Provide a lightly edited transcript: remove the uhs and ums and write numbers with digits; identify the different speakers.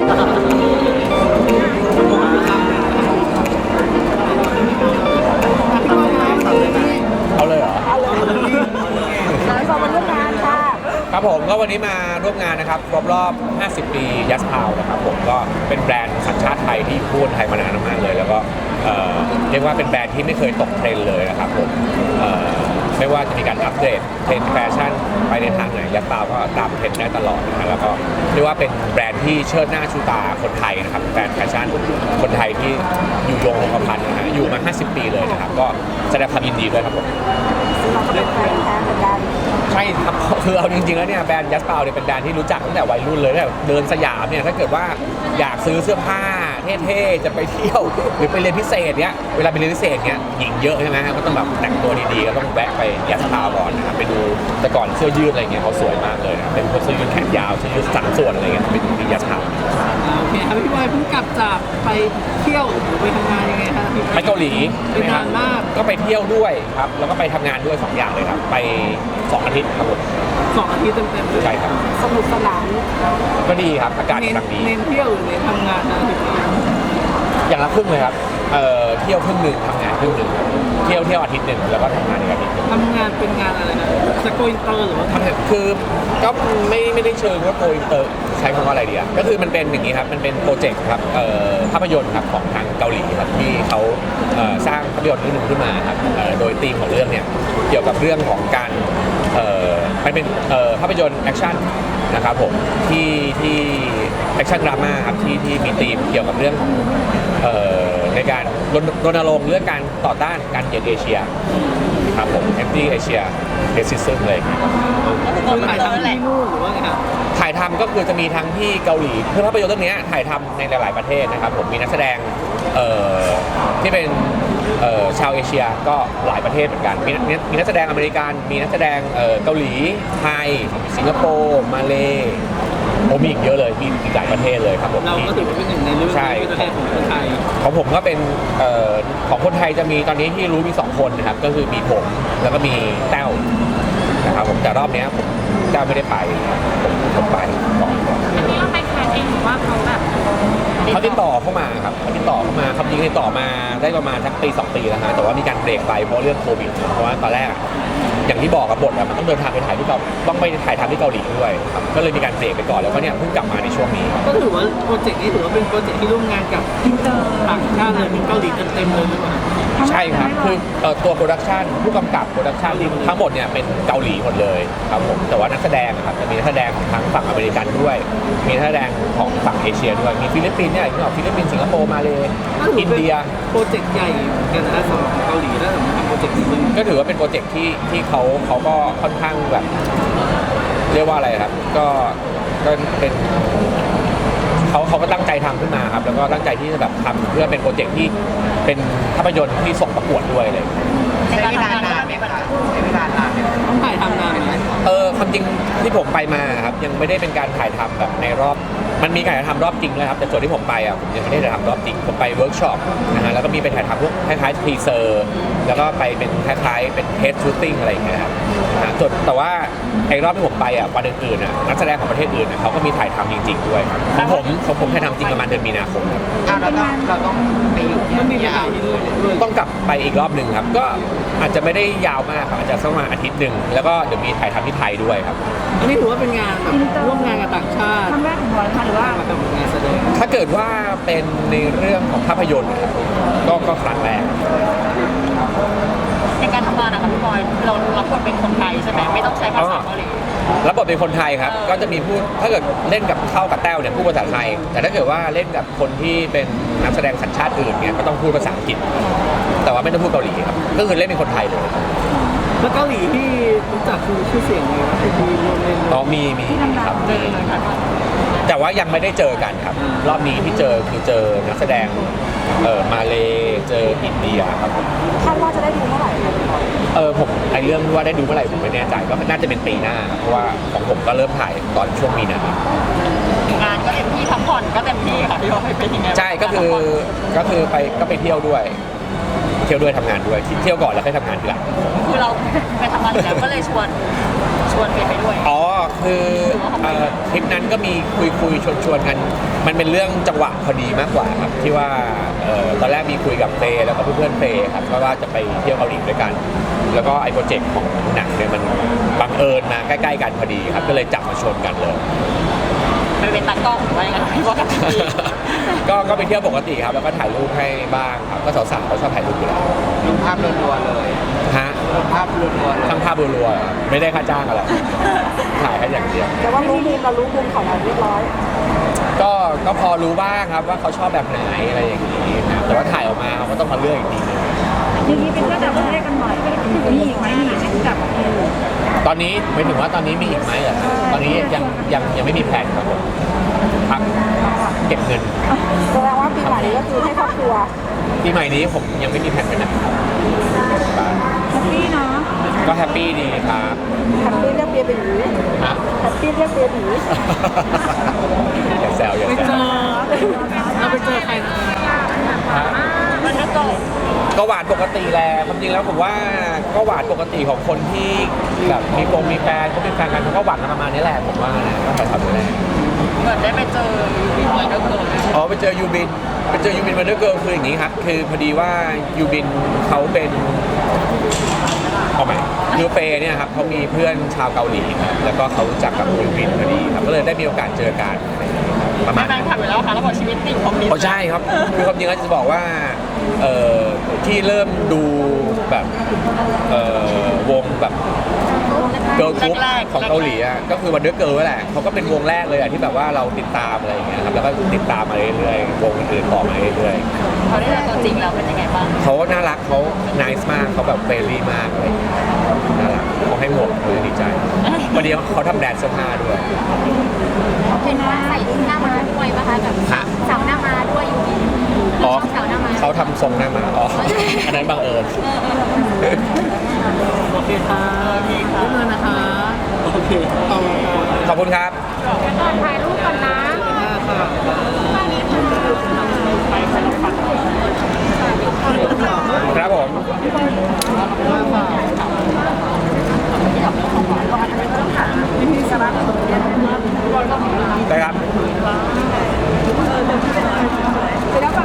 Speaker 1: เอาเลยเหรอ
Speaker 2: ขอมาร่วมงานค่ะ
Speaker 1: ครับผมก็วันนี้มาร่วมงานนะครับครบรอบ 50 ปียัสพาวนะครับผมก็เป็นแบรนด์สัญชาติไทยที่อยู่คู่คนไทยมานานมากเลยแล้วก็เรียกว่าเป็นแบรนด์ที่ไม่เคยตกเทรนด์เลยนะครับผมไม่ว่าจะมีการอัปเดตเทรนด์แฟชั่นไปในทางไหนยัสพาวก็ตามเทรนด์ได้ตลอดนะแล้วก็เรียกว่าเป็นแบรนด์ที่เชิดหน้าชูตาคนไทยนะครับแบรนด์แฟชั่นคนไทยที่อยู่ยงคงกระพันนะฮะอยู่มา 50 ปีเลยนะครับก็แสดงความยินดีด้วยครับผม
Speaker 2: เราก็เป็นแฟนแท้เหมือนกัน
Speaker 1: ใช่ครับคือเอาจริงๆแล้วเนี่ยแบรนด์ยัสเปาเนี่ยเป็นแบรนด์ที่รู้จักตั้งแต่วัยรุ่นเลยแบบเดินสยามเนี่ยถ้าเกิดว่าอยากซื้อเสื้อผ้าเท่ๆจะไปเที่ยวหรือไปเรียนพิเศษเนี่ยเวลาไปเรียนพิเศษเนี่ยหญิงเยอะใช่ไหมก็ต้องแบบแต่งตัวดีๆก็ต้องแวะไปยัสเปาก่อนนะครับไปดูแต่ก่อนเสื้อยืดอะไรเงี้ยเขาสวยมากเลยนะเป็นเสื้อยืดแขนยาวเสื้อยืด3 ส่วนอะไรเงี้ยเป็นที่ยัสเปา
Speaker 3: โอเคครับพี่บอยเพิ่งกลับจากไปเที่ยวหรือไปทำงานยังไงครับ
Speaker 1: ไปเกาหลี
Speaker 3: เป็นนานมาก
Speaker 1: ก็ไปเที่ยวด้วยครับแล้วก็ไปทำงานด้วย2 อย่างเลยครับไป2 อาทิตย์ครับผม
Speaker 3: 2 อาทิตย์เต็มๆ
Speaker 1: ใช่ครับ
Speaker 2: สนุกสนาน
Speaker 1: ก็ดีครับอากาศกำลังดี
Speaker 3: เน้นเที่ยวหรือเน้นทำงานนะ
Speaker 1: อย่างละครึ่งเลยครับเที่ยวครึ่งหนึ่งทำงานครึ่งหนึ่งเที่ยวอาทิตย์หนึ่งแล้วก็ทำงานอีกอาทิตย์นึง
Speaker 3: ทำงานเป็นงานอะไรนะจะโกอินเตอร์หรือว่า
Speaker 1: คือก็ไม่ได้เชิงว่าโกอินเตอร์ใช้คำว่าอะไรดีก็คือมันเป็นอย่างนี้ครับมันเป็นโปรเจกต์ครับภาพยนตร์ครับของทางเกาหลีครับที่เขาสร้างภาพยนตร์เรื่องนึงขึ้นมาครับโดยธีมของเรื่องเนี่ยเกี่ยวกับเรื่องของการมันเป็นภาพยนตร์แอคชั่นนะครับผมที่แอคชั่นดราม่าครับที่มีธีมเกี่ยวกับเรื่องของในการรณรงค์เรื่องการต่อต้านการเหยียดเอเชียครับผมแอนตี้เอเชียเรสซิซึมเลย
Speaker 3: ถ่ายทำที่นู่นหรือว่าไงครับ
Speaker 1: ถ่ายทำก็คือจะมีทั้งที่เกาหลีคือภาพยนตร์เรื่องนี้ถ่ายทำในหลายๆประเทศนะครับผมมีนักแสดงที่เป็นชาวเอเชียก็หลายประเทศเหมือนกันมีนักแสดงอเมริกันมีนักแสดงเกาหลีไทยสิงคโปร์มาเลมีอีกเยอะเลยมีอีกหลายประเทศเลยครับผม
Speaker 3: เราก็ถือว่าเป็นหนึ่งในเรื่องประเทศของคนไทย
Speaker 1: ของผมก็เป็นของคนไทยจะมีตอนนี้ที่รู้มี2 คนนะครับก็คือมีผมแล้วก็มีแต้วนะครับผมแต่รอบนี้ผมแต้วไม่ได้ไปผมไปก่อน
Speaker 4: อันนี้เราไปแคสเองหรือว่าเขาแบบ
Speaker 1: เขาติดต่อเข้ามาครับเขาติดต่อเข้ามาคำจริงติดต่อมาได้ประมาณสักปี 2 ปีแล้วนะแต่ว่ามีการเบรกไปเพราะเรื่องโควิดเพราะว่าตอนแรกอย่างที่บอกกับบทมันต้องเดินทางไปถ่ายที่ต้องไปถ่ายทำที่เกาหลีด้วยครับก็เลยมีการเบรกไปก่อนแล้วก็เนี่ยเพิ่งกลับมาในช่วงนี้
Speaker 3: ก็ถือว่าโปรเจกต์นี้ถือว่าเป็นโปรเจกต์ที่ร่วมงานกับต่างชาติเลยเป็นเกาหลีเต็มเลยหรือเปล่า
Speaker 1: ใช่ครับคือตัวโปรดักชันผู้กำกับโปรดักชันทั้งหมดเนี่ยเป็นเกาหลีหมดเลยครับผมแต่ว่านักแสดงครับจะมีนักแสดงของทั้งฝั่งอเมริกันด้วยมีนักแสดงของฝั่งเอเชียด้วยมีฟิลิปปินส์เนี่ยอย่างที่บอกฟิลิปปินส์สิงคโปร์มาเลยอินเดีย
Speaker 3: โปรเจกต์ใหญ่กันนะสำหรับเกาหลีแล้วสำหรับโปรเจกต์นี้
Speaker 1: ก็ถือว่าเป็นโปรเจกต์ที่เขาก็ค่อนข้างแบบเรียกว่าอะไรครับก็เป็นเขาก็ตั้งใจทำขึ้นมาครับแล้วก็ตั้งใจที่จะแบบทำเพื่อเป็นโปรเจกต์ที่เป็นภาพยนตร์ที่ส่งประกวดด้วยเลย
Speaker 4: ใช้เวลานานไหมคะใช้เวลานาน
Speaker 3: ต้องถ่ายทำนานไหม
Speaker 1: ความจริงที่ผมไปมาครับยังไม่ได้เป็นการถ่ายทำแบบในรอบมันมีการถ่ายทำรอบจริงเลยครับแต่ส่วนที่ผมไปผมยังไม่ได้ถ่ายทำรอบจริงผมไปเวิร์กช็อปนะฮะแล้วก็มีไปถ่ายทำพวกคล้ายๆทีเซอร์แล้วก็ไปเป็นคล้ายๆเป็นเทสชูตติ้งอะไรอย่างเงี้ยครับส่วนแต่ว่าไอ้รอบที่ผมไปวันอื่นๆนักแสดงของประเทศอื่นเขาก็มีถ่ายทำจริงๆด้วยของผมถ่ายทำจริงประมาณเดือนมีนาคม
Speaker 4: เราต้องไปอยู่
Speaker 3: มันมียาว
Speaker 1: ต้องกลับไปอีกรอบหนึ่งครับก็อาจจะไม่ได้ยาวมากครับอาจจะสักประมาณอาทิตย์หนึ่งแล้วก็เดี๋ยวมีถ่ายทำที่ไทยด้วยครับ
Speaker 3: อันนี้ถือว่าเป็นงานแบบร่วมงานกับต่างชาติ
Speaker 2: ครั้งแรกของบอยค่ะหรือว่า
Speaker 3: แบบงานแสดง
Speaker 1: ถ้าเกิดว่าเป็นในเรื่องของภาพยนตร์ก็ครั้งแรก
Speaker 4: ในการทำงานนะครับพี่บอยเรารับบทเป็นคนไทยใช่ไหมไม่ต้องใช้ภาษาเกาหลี
Speaker 1: รับบทเป็นคนไทยครับก็จะมีพูดถ้าเกิดเล่นกับเข้ากับแต้วเนี่ยพูดภาษาไทยแต่ถ้าเกิดว่าเล่นกับคนที่เป็นนักแสดงสัญชาติอื่นเนี่ยก็ต้องพูดภาษาอังกฤษแต่ว่าไม่ต้องพูดเกาหลีครับก็คือเล่นเป็นคนไทยเลย
Speaker 3: แล้วเกาหลีที่รู้จักคือชื่อเสียงเลยนะที่มีรวมเล่น
Speaker 1: มีครับแต่ว่ายังไม่ได้เจอกันครับรอบนี้ที่เจอคือเจอนักแสดงมาเลเจออินเดียครับ
Speaker 2: คาดว่าจะได้ดูเมื่อไหร่
Speaker 1: ผมเรื่องว่าได้ดูเมื่อไหร่ผมไม่แน่ใจก็น่าจะเป็นปีหน้าเพราะว่าของผมก็เริ่มถ่ายตอนช่วงมีน
Speaker 4: างานก็เต็มที่พักผ่อนก็เต็มที่ค่ะพี่บอยเป็นยังไง
Speaker 1: ใช่ก็คือไปเที่ยวด้วยทำงานด้วยเที่ยวก่อนแล้วค่อยทำงานทีหลัง
Speaker 4: คือเราไปทำงานแล้วก็เลยชวนไปด้วย
Speaker 1: คือทริปนั้นก็มีคุยชวนกันมันเป็นเรื่องจังหวะพอดีมากกว่าครับที่ว่าตอนแรกมีคุยกับเฟย์แล้วก็เพื่อนๆเฟย์ครับก็ว่าจะไปเที่ยวเกาหลีด้วยกัน แล้วก็ไอ้โปรเจกต์ของหนังเนี่ยมันบังเอิญมาใกล้ๆกันพอดีครับก็เลยจับมาชนกันเลย
Speaker 4: ไปเป็นตากล้องหรือว่ายังไงพี่ว่ากันดี
Speaker 1: ก็ไปเที่ยวปกติครับแล้วก็ถ่ายรูปให้บ้างครับก็สาวๆเขาชอบถ่ายรูปอยู่แล้ว
Speaker 3: ลงภาพรัวๆเลย
Speaker 1: ฮะ
Speaker 3: ลงภาพรัวๆเลย
Speaker 1: ทั้งภาพรัวๆไม่ได้ค่าจ้างอะไรถ่ายแค่อย่างเดียว
Speaker 2: แต่ว่ารู้มุมเรารู้มุมของเราเรียบร้อย
Speaker 1: ก็พอรู้บ้างครับว่าเขาชอบแบบไหนอะไรอย่างนี้ครับแต่ว่าถ่ายออกมาเขาก็ต้องมาเลือกอีกทีนึง
Speaker 2: อย่างนี้เป็นเพื่อนต่างประเทศกันหน่อยมีอีกไหมมีอีกไหมต่างประเทศ
Speaker 1: ตอนนี้ไม่ถึงว่าตอนนี้มีอีกไหมเหรอครับตอนนี้ยังไม่มีแผนครับผมพักเก็บเงิน
Speaker 2: แสดงว่าปีใหม่นี้ก็คือให้ครอบครัว
Speaker 1: ปีใหม่นี้ผมยังไม่มีแผนไปไหนครับ
Speaker 2: แฮปปี้เนาะ
Speaker 1: ก็แฮปปี้ดีครับ
Speaker 2: แฮปปี้เรียกเบียร์เป็นหนี
Speaker 1: ฮะ
Speaker 2: แฮปปี้เรียกเบียร์หนี
Speaker 1: อย่าแซวอย่า
Speaker 3: ไป
Speaker 1: แซ
Speaker 3: เจ
Speaker 1: ว
Speaker 3: อเราไปเจอใครนะ
Speaker 1: ฮะ
Speaker 4: มันก็โต
Speaker 1: ก็หวานปกติแหละความจริงแล้วผมว่าก็หวานปกติของคนที่แบบมีแฟนเขาเป็นแฟนกันเขาก็หวานกันประมาณนี้แหละผมว่านะก็ถ่ายทำอยู่แล้ว
Speaker 4: เหมือนได้ไปเจอวินไวเดอร์เกิร์ล
Speaker 1: อ๋อไปเจอยูบินวันเดอร์เกิร์ลคืออย่างนี้ครับคือพอดีว่ายูบินเขาเป็นเอาไหมยูเฟเนี่ยครับเขามีเพื่อนชาวเกาหลีครับแล้วก็เขารู้จักกับยูบินพอดีครับก็เลยได้มีโอกาสเจอกันประมาณ
Speaker 4: แฟนคลับอยู่แล้วค่ะแล้วบอกชีวิตติ่งของมิน
Speaker 1: อ๋อใช่ครับคือความจริงแล้วจะบอกว่าที่เริ่มดูแบบวงแบบเกิร์ลกรุ๊ปของเกาหลีอ่ะก็คือวันเดอร์เกิร์ลแหละเขาก็เป็นวงแรกเลยอ่ะที่แบบว่าเราติดตามอะไรอย่างเงี้ยครับแล้วก็ติดตามมาเรื่อยๆวงอื่นๆต่อมาเรื่อยๆ
Speaker 4: เขาได้เจอตัวจริงแล้วเป็นยังไงบ้าง
Speaker 1: เขาน่ารักเขา nice มากเขาแบบเฟรนลี่มากอะไรอย่างเงี้ยน่ารักเขาให้หมวกคือดีใจวันนี้เขาทำแบรนด์เสื้อผ้าด้วย
Speaker 5: เป็นใส่หน้าม้าด้วยป่ะคะแบบ
Speaker 1: ฮะ
Speaker 5: เสาหน้าม้าด้วยอยู่ดี
Speaker 1: อ๋อ
Speaker 5: เสาหน้าม้า
Speaker 1: เขาทำทรงหน้ามาอ๋ออันนั้นบังเอิญ
Speaker 3: โอเคค่ะได้เลยนะคะโอเค
Speaker 1: ขอบคุณครับ
Speaker 5: ถ่ายรูปก่อนนะ